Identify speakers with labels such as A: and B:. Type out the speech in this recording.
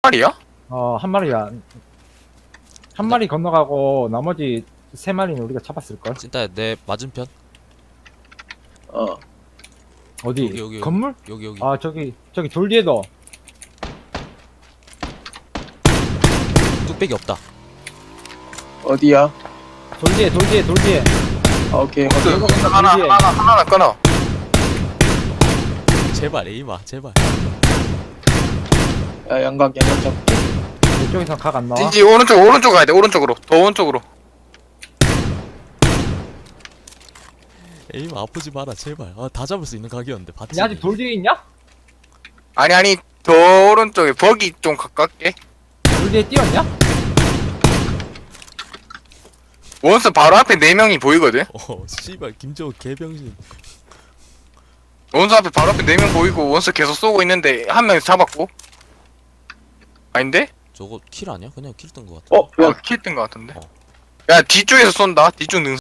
A: 마리야?
B: 한 마리야. 한 마리 건너가고 나머지 세 마리는 우리가 잡았을걸?
C: 찐따야 내 맞은편
D: 어.
B: 어디?
C: 여기.
B: 건물?
C: 여기
B: 아 저기 돌 뒤에도.
C: 뚝배기 없다.
D: 어디야?
B: 돌 뒤에.
D: 아, 오케이.
A: 그,
B: 이거 건너
A: 하나
B: 돌 뒤에.
A: 하나 끊어.
C: 제발 에이마 제발.
D: 야, 양각 잡고.
B: 이쪽에서 각 안 나와?
A: 진지 오른쪽 가야 돼. 오른쪽으로. 더 오른쪽으로.
C: 에이마 아프지 마라 제발. 아 다 잡을 수 있는 각이었는데 봤지.
B: 야 아직 돌 뒤에 있냐?
A: 아니 더 오른쪽에 버기 좀 가깝게.
B: 돌 뒤에 뛰었냐?
A: 원스 바로 앞에 4명이 보이거든.
C: 씨발 김정우 개병신.
A: 원스 앞에 바로 앞에 4명 보이고 원스 계속 쏘고 있는데 한 명 잡았고. 아닌데?
C: 저거 킬 아니야? 그냥 킬 뜬 거 같아.
D: 어, 야,
A: 킬뜬 것 같은데. 야 뒤쪽에서 쏜다. 뒤쪽 능